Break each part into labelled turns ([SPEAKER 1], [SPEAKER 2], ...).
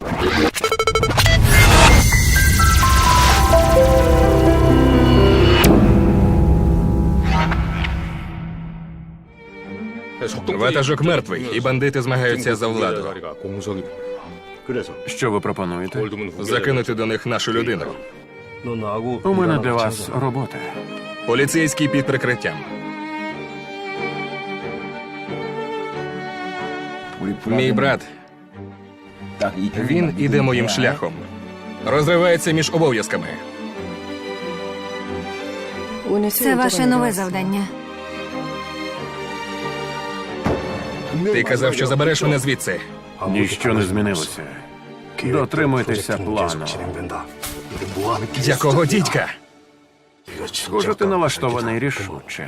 [SPEAKER 1] Ватажок мертвий, і бандити змагаються за владу.
[SPEAKER 2] Що ви пропонуєте?
[SPEAKER 1] Закинути до них нашу людину.
[SPEAKER 2] У мене для вас робота.
[SPEAKER 1] Поліцейський під прикриттям. Мій брат, він іде моїм шляхом. Розривається між обов'язками.
[SPEAKER 3] Це ваше нове завдання.
[SPEAKER 1] Ти казав, що забереш мене звідси.
[SPEAKER 2] Ніщо не змінилося. Дотримуйтеся плану.
[SPEAKER 1] Якого дідька?
[SPEAKER 2] Схоже, ти налаштований рішуче.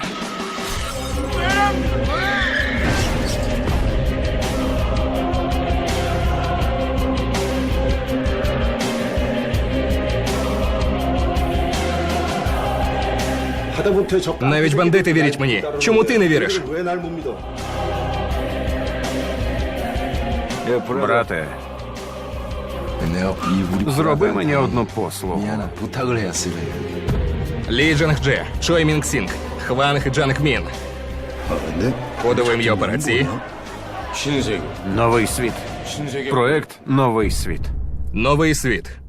[SPEAKER 1] Навіть бандити вірять мені. Чому ти не віриш?
[SPEAKER 2] Брате, зроби мені одну послугу.
[SPEAKER 1] Лі Джанг Дже, Чой Мінг Сінг, Хванг Джанг Мін. Кодове ім'я операції.
[SPEAKER 2] Новий світ. Проект «Новий світ».
[SPEAKER 1] Новий світ.